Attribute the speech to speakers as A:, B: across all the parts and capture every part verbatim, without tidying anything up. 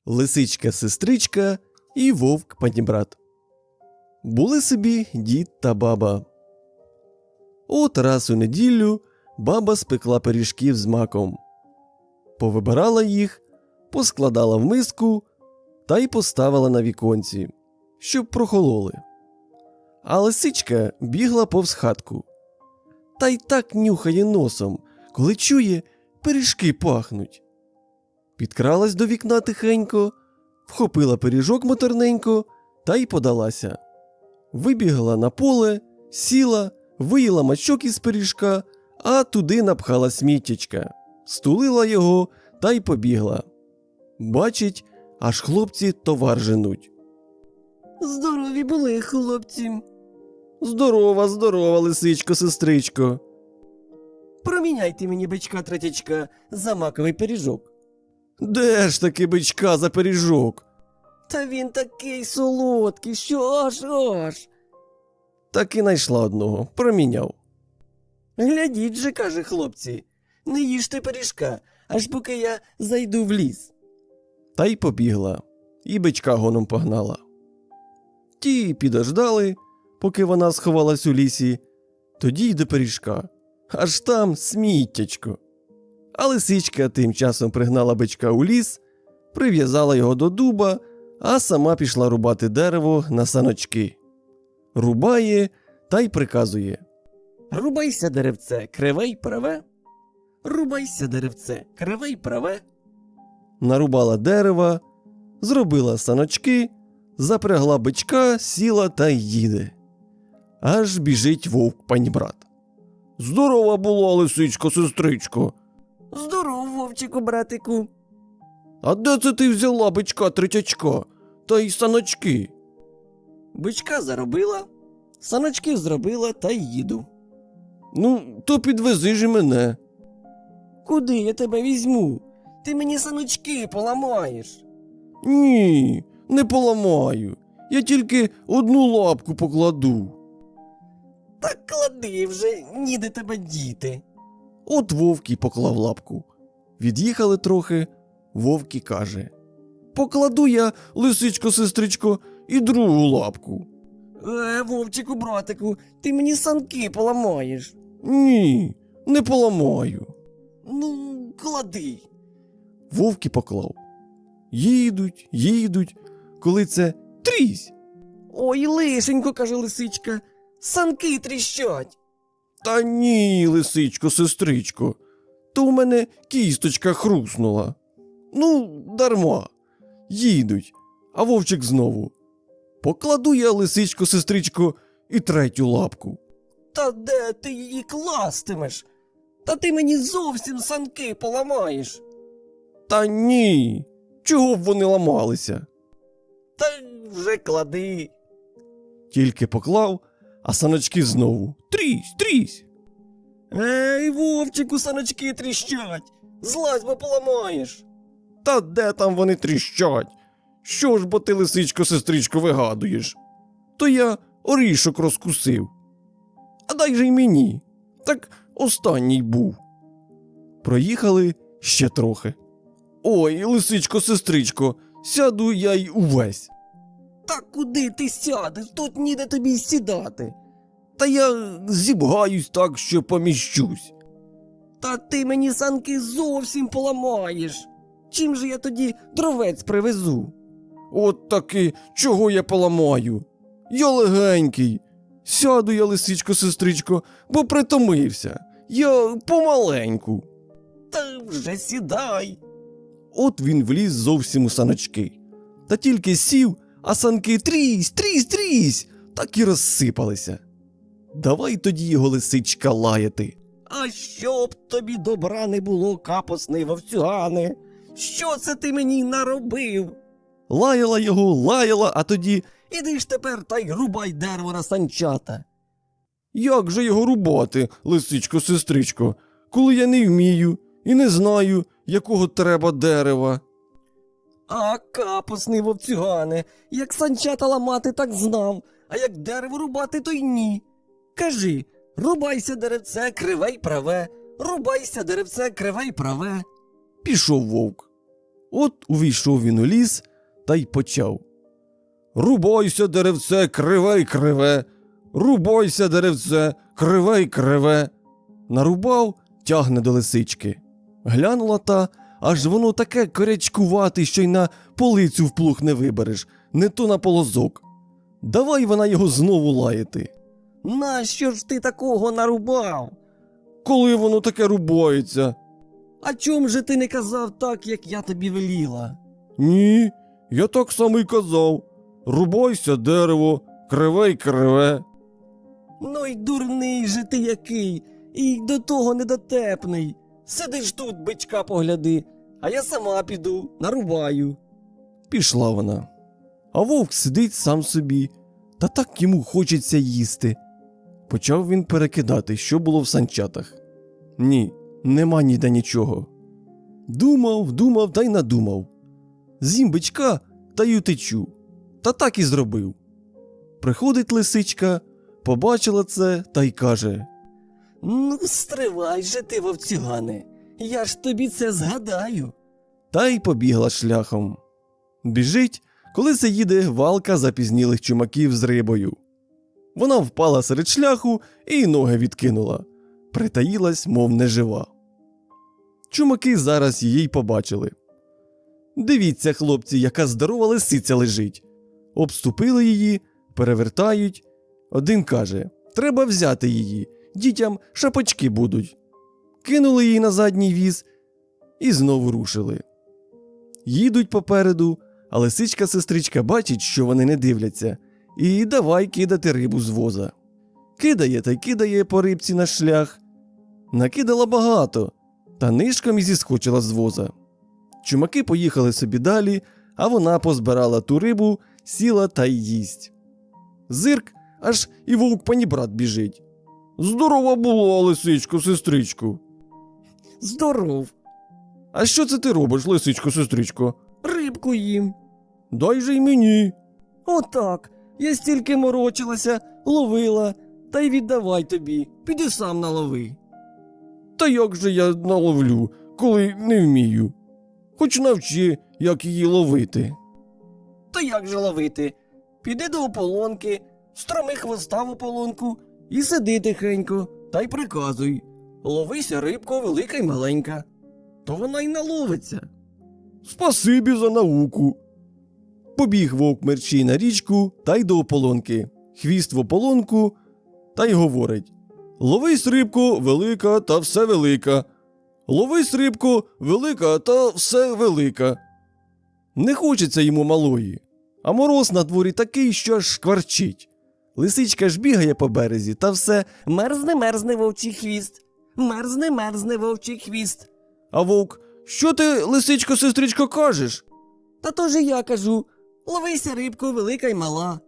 A: Лисичка-сестричка і вовк-панібрат. Були собі дід та баба. От раз у неділю баба спекла пиріжків з маком. Повибирала їх, поскладала в миску та й поставила на віконці, щоб прохололи. А лисичка бігла повз хатку. Та й так нюхає носом, коли чує, пиріжки пахнуть. Підкралась до вікна тихенько, вхопила пиріжок моторненько та й подалася. Вибігла на поле, сіла, виїла мачок із пиріжка, а туди напхала сміттячка, стулила його та й побігла. Бачить, аж хлопці товар женуть.
B: Здорові були, хлопці.
A: Здорова, здорова, лисичко-сестричко.
B: Проміняйте мені бичка-третячка за маковий пиріжок.
A: Де ж таки бичка за пиріжок?
B: Та він такий солодкий, що аж аж.
A: Так і найшла одного, проміняв.
B: Глядіть же, каже хлопці, не їжте пиріжка, аж поки я зайду в ліс.
A: Та й побігла, і бичка гоном погнала. Ті підождали, поки вона сховалась у лісі, тоді й до пиріжка. Аж там сміттячко. А лисичка тим часом пригнала бичка у ліс, прив'язала його до дуба, а сама пішла рубати дерево на саночки. Рубає та й приказує.
B: Рубайся, деревце, криве й праве. Рубайся, деревце, криве й праве.
A: Нарубала дерева, зробила саночки, запрягла бичка, сіла та й їде. Аж біжить вовк-панібрат. Здорова була, лисичко-сестричко.
B: Здоров, вовчику, братику.
A: А де це ти взяла бичка-третячка та й саночки?
B: Бичка заробила, саночки зробила та й їду.
A: Ну, то підвези ж і мене.
B: Куди я тебе візьму? Ти мені саночки поламаєш.
A: Ні, не поламаю. Я тільки одну лапку покладу.
B: Так клади вже, ніде тебе діти.
A: От вовк і поклав лапку. Від'їхали трохи, вовк і каже. Покладу я, лисичко-сестричко, і другу лапку.
B: Е, вовчику, братику, ти мені санки поламаєш.
A: Ні, не поламаю.
B: Ну, клади.
A: Вовк і поклав. Їдуть, їдуть, коли це трісь.
B: Ой, лишенько, каже лисичка, санки тріщать.
A: Та ні, лисичко-сестричко, то у мене кісточка хруснула. Ну, дарма. Їдуть, а вовчик знову. Покладу я, лисичко-сестричко, і третю лапку.
B: Та де ти її кластимеш? Та ти мені зовсім санки поламаєш.
A: Та ні, чого б вони ламалися?
B: Та вже клади.
A: Тільки поклав, а саночки знову. Трісь, трісь.
B: Ей, вовчику, саночки тріщать. Злазь, бо поламаєш.
A: Та де там вони тріщать? Що ж бо ти, лисичко-сестричко, вигадуєш? То я орішок розкусив. А дай же й мені. Так останній був. Проїхали ще трохи. Ой, лисичко-сестричко, сяду я й увесь.
B: Та куди ти сядеш? Тут ніде тобі сідати.
A: Та я зібгаюсь так, що поміщусь.
B: Та ти мені санки зовсім поламаєш. Чим же я тоді дровець привезу?
A: От таки, чого я поламаю? Я легенький. Сяду я, лисичко-сестричко, бо притомився. Я помаленьку.
B: Та вже сідай.
A: От він вліз зовсім у саночки. Та тільки сів, а санки трісь, трісь, трісь, так і розсипалися. Давай тоді його, лисичка, лаяти.
B: А щоб тобі добра не було, капосний вовцюгане. Що це ти мені наробив?
A: Лаяла його, лаяла, а тоді...
B: Іди ж тепер та й рубай дерево на санчата.
A: Як же його рубати, лисичко-сестричко, коли я не вмію і не знаю, якого треба дерева?
B: А, капосний вовцюгане, як санчата ламати, так знав, а як дерево рубати, то й ні. Кажи, рубайся, деревце, криве й праве, рубайся, деревце, криве й праве.
A: Пішов вовк. От увійшов він у ліс та й почав. Рубайся, деревце, криве й криве, рубайся, деревце, криве й криве. Нарубав, тягне до лисички. Глянула та, аж воно таке корячкувате, що й на полицю в плуг не вибереш, не то на полозок. Давай вона його знову лаяти.
B: Нащо ж ти такого нарубав?
A: Коли воно таке рубається?
B: А чом же ти не казав так, як я тобі веліла?
A: Ні, я так само й казав. Рубайся, дерево, криве й криве.
B: Ну й дурний же ти який, і до того недотепний. Сидиш тут, бичка погляди, а я сама піду, нарубаю.
A: Пішла вона. А вовк сидить сам собі, та так йому хочеться їсти. Почав він перекидати, що було в санчатах. Ні, нема ніде нічого. Думав, думав та й надумав. З'їм бичка та й утечу. Та так і зробив. Приходить лисичка, побачила це та й каже:
B: Ну, стривай же ти, вовцюгане, я ж тобі це згадаю.
A: Та й побігла шляхом. Біжить, коли це їде валка запізнілих чумаків з рибою. Вона впала серед шляху і ноги відкинула. Притаїлась, мов нежива. Чумаки зараз її й побачили. Дивіться, хлопці, яка здорова лисиця лежить. Обступили її, перевертають. Один каже: треба взяти її, дітям шапочки будуть. Кинули її на задній віз і знову рушили. Їдуть попереду, а лисичка-сестричка бачить, що вони не дивляться, і давай кидати рибу з воза. Кидає та й кидає по рибці на шлях. Накидала багато, та нишком і зіскочила з воза. Чумаки поїхали собі далі, а вона позбирала ту рибу, сіла та й їсть. Зирк, аж і вовк-панібрат біжить. Здорова була, лисичко, сестричко.
B: Здоров,
A: А що це ти робиш, лисичко, сестричко?
B: рибку їм.
A: Дай же й мені.
B: Отак, я стільки морочилася, ловила, та й віддавай тобі, піди сам налови.
A: Та як же я наловлю, коли не вмію? Хоч навчи, як її ловити.
B: То як же ловити? Піди до ополонки, строми хвоста в ополонку і сиди тихенько, та й приказуй. Ловися, рибко, велика й маленька. То вона й наловиться.
A: Спасибі за науку. Побіг вовк мерчій на річку та й до ополонки. Хвіст в ополонку та й говорить: ловись, рибко, велика та все велика. Ловись, рибко, велика та все велика. Не хочеться йому малої, а мороз на дворі такий, що аж шкварчить. Лисичка ж бігає по березі та все
B: Мерзне, мерзне вовчий хвіст. Мерзне, мерзне вовчий хвіст.
A: А вовк: що ти, лисичко, сестричко, кажеш?
B: Та то же я кажу. Ловися, рибко, велика й мала.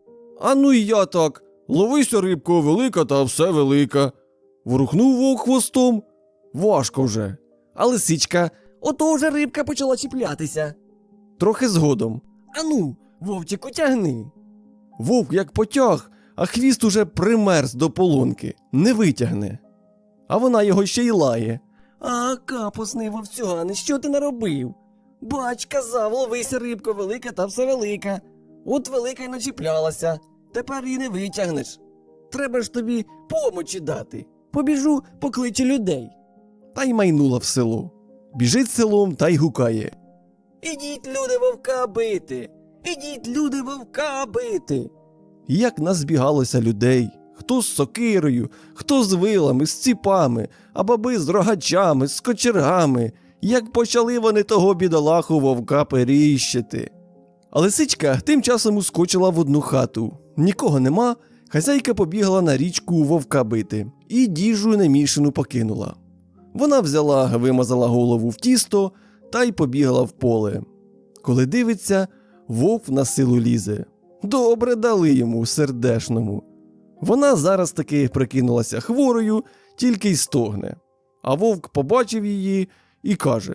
A: А ну і я так. Ловися, рибко, велика та все велика. Ворухнув вовк хвостом. Важко вже. А лисичка
B: Ото вже рибка почала чіплятися.
A: трохи згодом.
B: Ану, вовчику, тягни.
A: Вовк як потяг, а хвіст уже примерз до полонки. Не витягне. А вона його ще й лає.
B: А, капусний вовцюгане, що ти наробив? Бач, казав, ловися, рибко, велика та все велика. От велика й начіплялася. Тепер її не витягнеш. Треба ж тобі помочі дати. Побіжу, покличу людей.
A: Та й майнула в село. Біжить селом та й гукає.
B: Ідіть, люди, вовка бити! Ідіть, люди, вовка бити!
A: Як назбігалося людей. Хто з сокирою, хто з вилами, з ціпами, а баби з рогачами, з кочергами. Як почали вони того бідолаху вовка періщити. А лисичка тим часом ускочила в одну хату. Нікого нема, хазяйка побігла на річку вовка бити і діжу немішану покинула. Вона взяла, вимазала голову в тісто та й побігла в поле. Коли дивиться, вовк на силу лізе. Добре дали йому, сердешному. Вона зараз таки прикинулася хворою, тільки й стогне. А вовк побачив її і каже: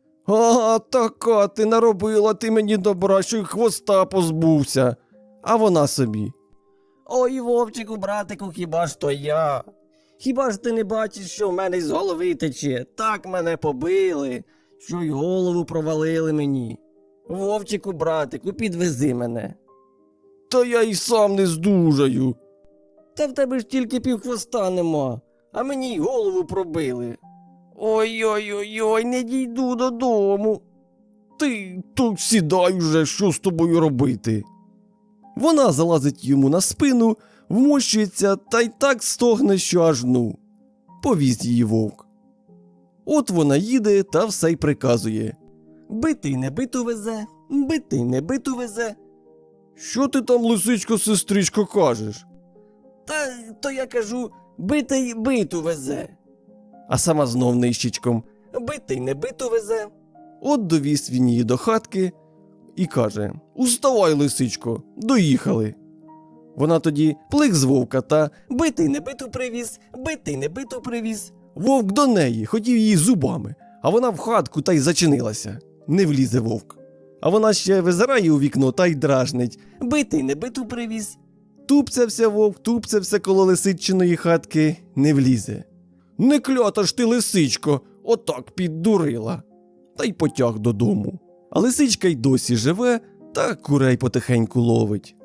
A: «А, така ти наробила ти мені добра, що й хвоста позбувся». А вона собі:
B: Ой, вовчику, братику, хіба ж то я? Хіба ж ти не бачиш, що в мене з голови тече? Так мене побили, що й голову провалили мені. Вовчику, братику, підвези мене.
A: Та я й сам не здужаю.
B: Та в тебе ж тільки півхвоста нема, а мені й голову пробили. Ой-ой-ой, не дійду додому.
A: Ти то сідай уже, що з тобою робити? Вона залазить йому на спину, вмощується та й так стогне, що аж ну. Повіз її вовк. От вона їде та все й приказує.
B: Битий не биту везе, битий не биту везе.
A: Що ти там, лисичко, сестричко, кажеш?
B: Та то я кажу, битий биту везе.
A: А сама знов нищечком.
B: Битий не биту везе.
A: От довіз він її до хатки і каже: «Уставай, лисичко, доїхали». Вона тоді плик з вовка та
B: Битий не биту привіз, битий не биту привіз.
A: вовк до неї, хотів її зубами, а вона в хатку та й зачинилася. Не влізе вовк. А вона ще визирає у вікно та й дражнить.
B: Битий не биту привіз.
A: Тупцявся вовк, тупцявся коло лисичиної хатки, не влізе. Не клята ж ти, лисичко, отак піддурила. Та й потяг додому. А лисичка й досі живе та курей потихеньку ловить.